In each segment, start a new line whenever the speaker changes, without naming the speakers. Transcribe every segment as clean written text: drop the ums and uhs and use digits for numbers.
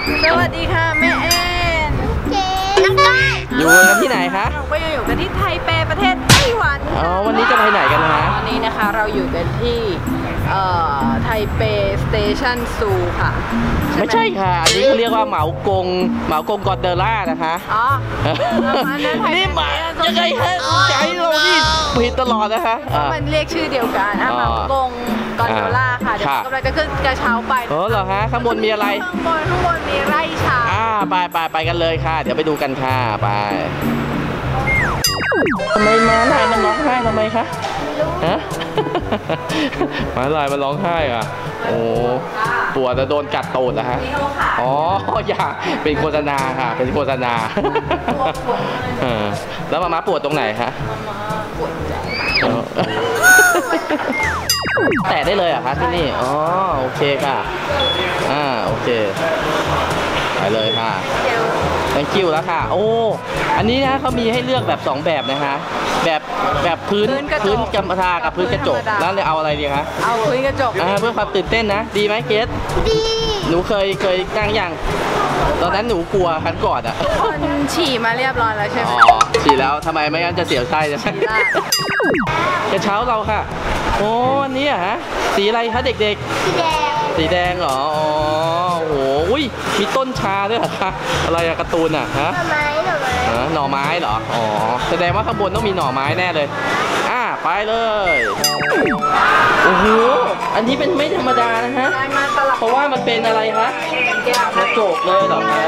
สวัสดีค่ะแม่แอน
น้องก้อย
อยู่กันที่ไหนคะ
เราก็ยังอยู่กันที่ไทเปประเทศไต้หวัน
อ๋อวันนี้จะไปไหนกันนะ
วันนี้นะคะเราอยู่กันที่ไทเปสเตชันซูค่ะ
ไม่ใช่ค่ะอันนี้เขาเรียกว่าเหมากงกอนเดล่านะคะ
อ๋อ
นี่มายังไงฮะใจเรานี่ผิดตลอดนะคะ
มันเรียกชื่อเดียวกันเหมากงกอนเดล่าค่ะเดี๋ยวกำลังจะขึ้นกระเช้าไป
อ๋อเหรอฮะข้างบนมีอะไร
ข้างบนมีไร่ชา
ไปกันเลยค่ะเดี๋ยวไปดูกันค่ะไปทำไมม้าลายมันร้องไห้ทำไมคะฮะม้าลายมันร้องไห้อ่ะโอ้ปวดจะโดนกัดตูดนะฮะอ๋ออย่าเป็นโฆษณาค่ะเป็นโฆษณาแล้วม้าปวดตรงไหนคะ
ปวดใจ
แต่ได้เลยอ่ะคะที่นี่อ๋อโอเคค่ะโอเคไปเลยค่ะthank you แล้วค่ะโอ้อันนี้นะเขามีให้เลือกแบบ2แบบนะคะแบบพื้นกำมะทากับพื้นกระจกแล้วเลยเอาอะไรดีคะ
เอาพื้นกระจก
เพื่อความตื่นเต้นนะดีไหมเกส
ดี
หนูเคยนั่งอย่างตอนนั้นหนูกลัวครั้งก่อนอ่ะ
คนฉี่มาเรียบร้อยแล้วใช่ไหม
อ๋อฉี่แล้วทำไมไม่งั้นจะเสียวไส้จะกระเช้าเราค่ะโอ้อันนี้ฮะสีอะไรคะเด็กๆสีแดงเหรออ๋อโอ้โหอุ้ยมีต้นชาด้วยเหรอคะอะไรอะการ์ตูนอะฮะหน่อไม้เหรออ๋อแสดงว่าข้างบนต้องมีหน่อไม้แน่เลยไปเลยโอ้โหอันนี้เป็นไม่ธรรมดานะฮะเพราะว่ามันเป็นอะไรคะกระจกเลยเหรอคะ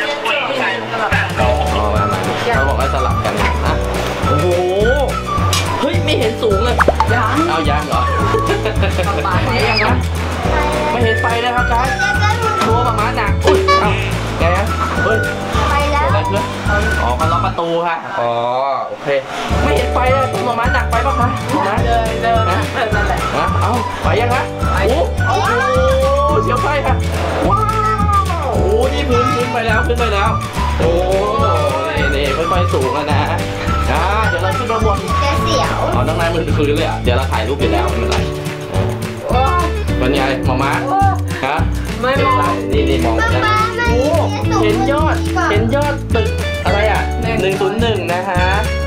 อ๋อมาเขาบอกว่าสลับกันนะโอ้โหเฮ้ยไม่เห็นสูงเลยเอายังเหรอไปยังนะไม่เห็นไปเลยครับกายตัวประมาณหนักอุ้ยเอาไงฮะเฮ้ย
ไปแล้ว
อะไรเพื่อนอ๋อมันล็อกประตูค่ะอ๋อโอเคไม่เห็นไปเลยตัวประมาณหนักไปป่ะคะนะ
เดินนั่นแหละ
เอาไปยังฮะโอ้เสียวไส้ค่ะว้าวโอ้นี่พื้นไปแล้วโอ้นี่ค่อยๆสูงแล้วนะเดี๋ยวเราขึ้นมาบน
เสียว
อ๋อน้องนายมือคืนเลยอ่ะเดี๋ยวเราถ่ายรูปอยู่แล้วไม่เป็นไรเป็นไงมาฮะ
ไม่มอง
นี่มองนะโอ้เห็นยอดตึกอะไรอ่ะ101นะคะ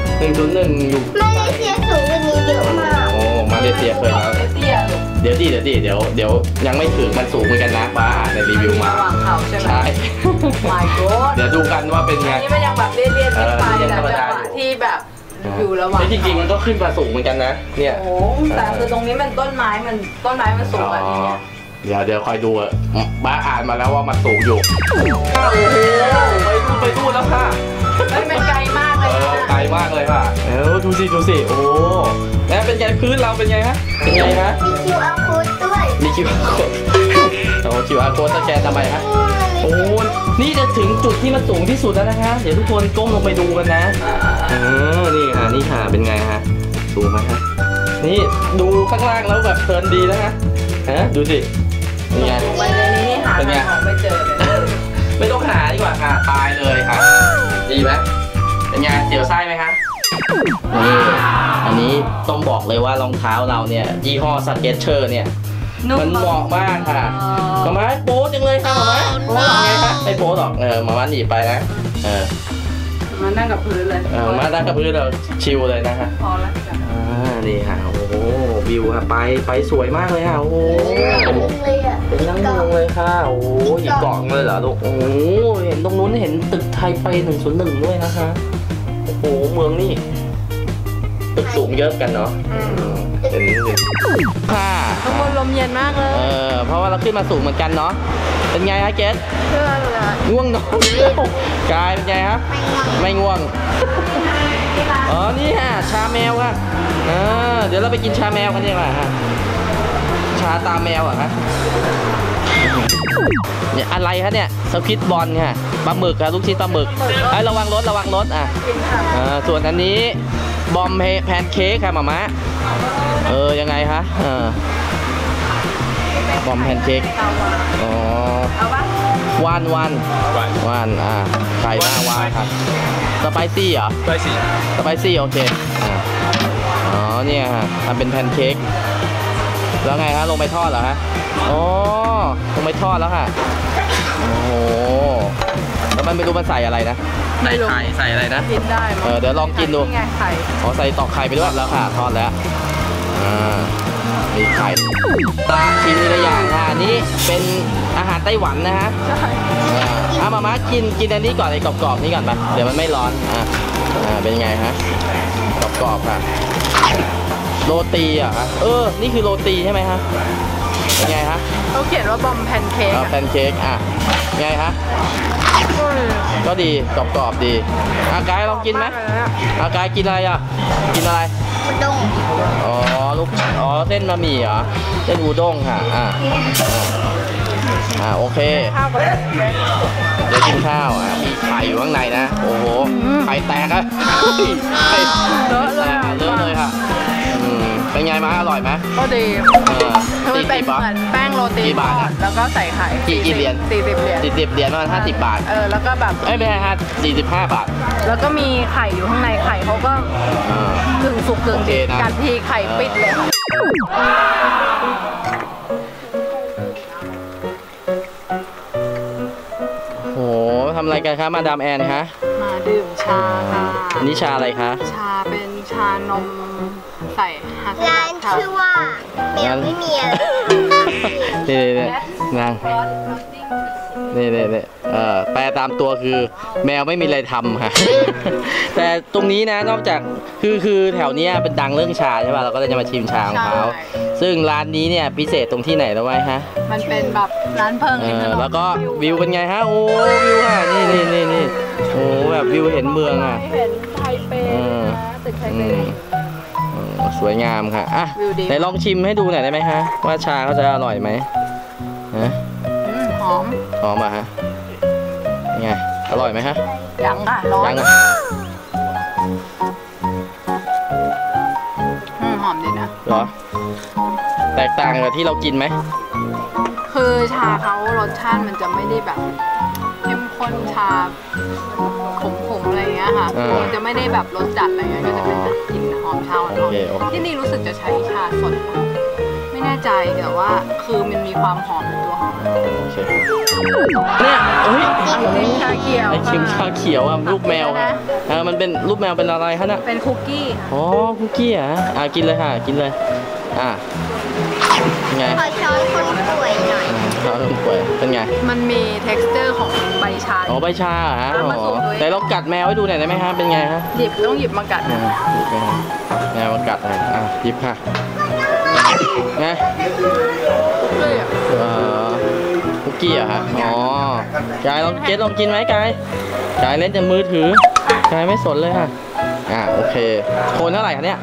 101อยู่
มาเลเซียสูงกว่านี้เยอะมาก
โอ้มาเลเซียเคยแล้วเดี๋ยวยังไม่ถึงมันสูงเหมือนกันนะป้าในรีวิวมา
ใช่ My God
เดี๋ยวดูกันว่าเป็นไง
นี่มันยังแบบเรียนไปแต่จังหวะที่แบบอยู่ระหว่าง
จริงๆมันก็ขึ้นมาสูงเหมือนกันนะเนี่ย
โอ้แต่คือตรงนี้มันต้นไม้มันสูงแบบนี้
เดี๋ยวคอยดูบ้าอ่านมาแล้วว่ามันสูงอยู่โอ้โหไปดูแล้วค่ะ
มันไกลมากเลย
ไกลมากเลยค่ะดูสิโอ้แล้วเป็นไงพื้นเราเป็นไงฮะเป็นไงฮะ
มี QR code ด้วย
มี QR code โอ้ QR code สแกนทำไมฮะโอ้นี่จะถึงจุดที่มันสูงที่สุดแล้วนะคะเดี๋ยวทุกคนก้มลงไปดูกันนะนี่ค่ะเป็นไงฮะสูงไหมฮะนี่ดูข้างล่างแล้วแบบเพลินดีนะฮะดูสิเป็นไง
ไปในนี้หาของไม่เจอเลย
ไม่ต้องหาดีกว่าค่ะตายเลยค่ะดีไหมเป็นไงเสียวไส้ไหมคะนี่อันนี้ต้องบอกเลยว่ารองเท้าเราเนี่ยยี่ห้อสเก็ตเชอร์เนี่ยมันเหมาะมากค่ะมาม่าโป๊จังเลยค่ะมาม่าโป๊หรอไงคะไม่โป๊หรอกมาม่าหนีไปนะ
มานั่งกับพื้นเลย
มานั่งกับพื้นเราชิลเลยนะคะ
พอแล้วจ้ะ
นี่ค่ะโอ้โหวิวค่ะไปสวยมากเลยค่ะโอ้โหเป็นนั่งลงเลยค่ะโอ้โหหยิบกล่องเลยเหรอลูกโอ้โหเห็นตรงนู้นเห็นตึกไทเป101ด้วยนะคะโอ้โหเมืองนี่ตึกสูงเยอะกันเนาะเป็นค่ะ
ข้างบนลมเย็นมากเลย
เพราะว่าเราขึ้นมาสูงเหมือนกันเนาะเป็นไงฮะเกสง่วงนอนกายเป็นไงครับไม่ง่วงอ๋อนี่ฮะชาแมวค่ะเดี๋ยวเราไปกินชาแมวกันดีกว่าฮะชาตาแมวอ่ะฮะเนี่ยอะไรคะเนี่ยสควิดบอลค่ะปลาหมึกค่ะลูกชิ้นปลาหมึกระวังรถอ่ะส่วนอันนี้บอมแพนเค้กค่ะหม่ามะยังไงคะบอมแพนเค้กอ๋อวันไข่หน้าวานครับสไปซี่เหรอสไปซี่โอเคอ๋อเนี่ยฮะทำเป็นแพนเค้กแล้วไงฮะลงไปทอดเหรอฮะอ๋อลงไปทอดแล้วค่ะโอ้โหมันไม่รู้มันใส่อะไรนะใส่ไข่ใส่อะไรนะ
กินได้มั้ง
เดี๋ยวลองกินดู
ไงไข่
อ๋อใส่ตอกไข่ไปด้วยแล้วค่ะทอดแล้วมีไข่ตาชิมทีละอย่างค่ะนี่เป็นอาหารไต้หวันนะฮะ
ใช่
มากินอันนี้ก่อนไอ้กรอบๆนี่ก่อนไปเดี๋ยวมันไม่ร้อนเป็นไงฮะกรอบๆค่ะโรตีอ่ะนี่คือโรตีใช่ไหมฮะเป็นไงฮะ
เขาเขียนว่าบอมแพนเค้ก
แพนเค้กไงฮะก็ดีกรอบๆดีกายลองกินไหมกายกินอะไรอ่ะกินอะไร
อุด้ง
เส้นบะหมี่เหรอเส้นอูด้งค่ะโอเคเดี๋ยวกินข้าวมีไข่อยู่ข้างในนะโอ้โหไข่แตกอะเลอะเลยค่ะเป็นไงมาอร่อยไหม
ก็ดีคือมันเป็น
40
เหมือนแป้งโรตีทอดแล้วก็ใส่ไข่
กี่เหรียญ40 เหรียญประมาณ50 บาท
แล้วก็แบบ
ไม่ใช่45 บาท
แล้วก็มีไข่อยู่ข้างในไข่เขาก็กึ่งสุกกึ่งดิบกัดทีไข่ปิดเลยค่ะ
โหทำอะไรกันคะมาดามแอนคะ
มาดื่มชาค่ะ
อันนี้ชาอะไรคะ
ชาเป็นชานมใส่ฮัส
ร้านชื่อว่าแมวไม่มีอะไร
นี่นางนี่แปลตามตัวคือแมวไม่มีอะไรทำค่ะแต่ตรงนี้นะนอกจากคือแถวนี้เป็นดังเรื่องชาใช่ป่ะเราก็เลยจะมาชิมชาของเขาซึ่งร้านนี้เนี่ยพิเศษตรงที่ไหนแล้วไว้ฮะ
มันเป็นแบบร้านเพิง
แล้วก็วิวเป็นไงฮะโอ้วิวค่ะนี่โอ้แบบวิวเห็นเมืองอ่ะ
เห็นไทเปตึกไทเป
สวยงามค่ะไหนลองชิมให้ดูหน่อยได้ไหมฮะว่าชาเขาจะอร่อยไหม
หอม
อ่ะฮะไงอร่อยไหมฮะ
ยังค่ะร้อนหอมดีนะ
เหรอแตกต่างกับที่เรากินไหม
คือชาเขารสชาติมันจะไม่ได้แบบเข้มข้นชาขมๆอะไรเงี้ยค่ะมันจะไม่ได้แบบรสจัดอะไรเงี้ยก็จะเป็นกลิ่นหอมชาอ่อนๆที่นี่รู้สึกจะใช้ชาสดไม่แน่ใจแต่ว่าคือมันมีความหอมในตัวหอม
เนี่ย
ไอชิมชาเขียว
ไอชิมชาเขียวรูปแมวค่ะมันเป็นรูปแมวเป็นอะไรคะน่ะ
เป็นคุกกี้
คุกกี้กินเลยค่ะกินเลยไง
ขอช้อนคนป่วยหน่อย
ช้อนคนป่วยเป็นไง
มันมี texture ของใบชา
ใบชาฮะแต่เรากัดแมวให้ดูหน่อยได้ไหมฮะเป็นไงฮะ
ต้องหยิบมากัด
แมวมากัดหยิบค่ะไงคุกกี้ฮะกายลองกินไหมกายเล่นแต่มือถือกายไม่สนเลยค่ะโอเคโคนเท่าไหร่คะเนี่ย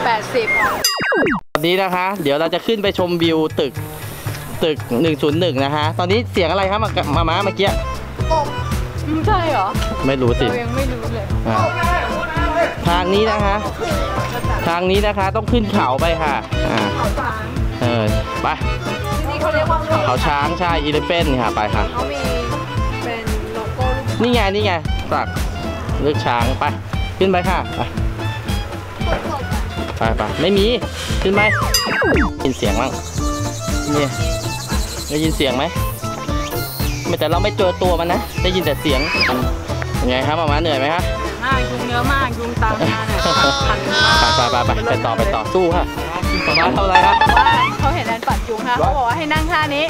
80
วันนี้นะคะเดี๋ยวเราจะขึ้นไปชมวิวตึก101นะคะตอนนี้เสียงอะไรครับมาเมื่อกี้
ใช่เหรอ
ไม่รู้สิ
ยังไม่รู้เลย
ทางนี้นะคะต้องขึ้นเขาไปค่ะไป
นี่เขาเรียกว่า
เขาช้างใช่อีเลฟเฟนค่ะไปค่ะ
เขามีเป็นโลโก้
นี่ไงสักเลือกช้างไปขึ้นไปค่ะไปไม่มีขึ้นไหมยินเสียงบ้างนี่ได้ยินเสียงไหมแต่เราไม่เจอตัวมันนะได้ยินแต่เสียงยังไงครับมาเหนื่อยไหมครับ
ยุงเยอะมากยุงตามมาเนี่ยคันมาก
ไปต่อสู้ค่ะมาทำอะไรครับ
เขาเห็นแอนปัดยุงค่ะเขาบอกว่าให้นั่งท่านี้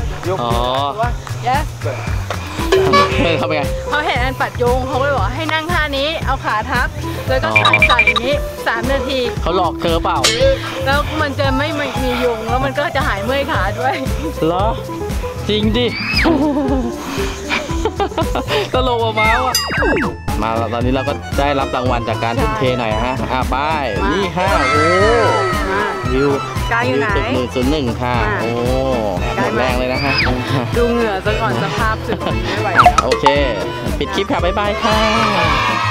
ทำไง
เขาเห็นแอนปัดยุงเขาเลยบอกให้นั่งท่านี้เอาขาทับแล้วก็ใส่อย่างนี้3 นาที
เขาหลอกเธอเปล่า
แล้วมันจะไม่มียุงแล้วมันก็จะหายเมื่อยขาด้วย
เหรอจริงดิตลกมาตอนนี้เราก็ได้รับรางวัลจากการทุ่มเทหน่อยฮะไปนี่ค่ะโอ้วิว
กายอยู่ไหน
101ค่ะโอ้หมดแรงเลยนะฮะ
ดูเหงื่อซะก่อนสภาพสึกไม่ไหว
โอเคปิดคลิปค่ะบ๊ายบายค่ะ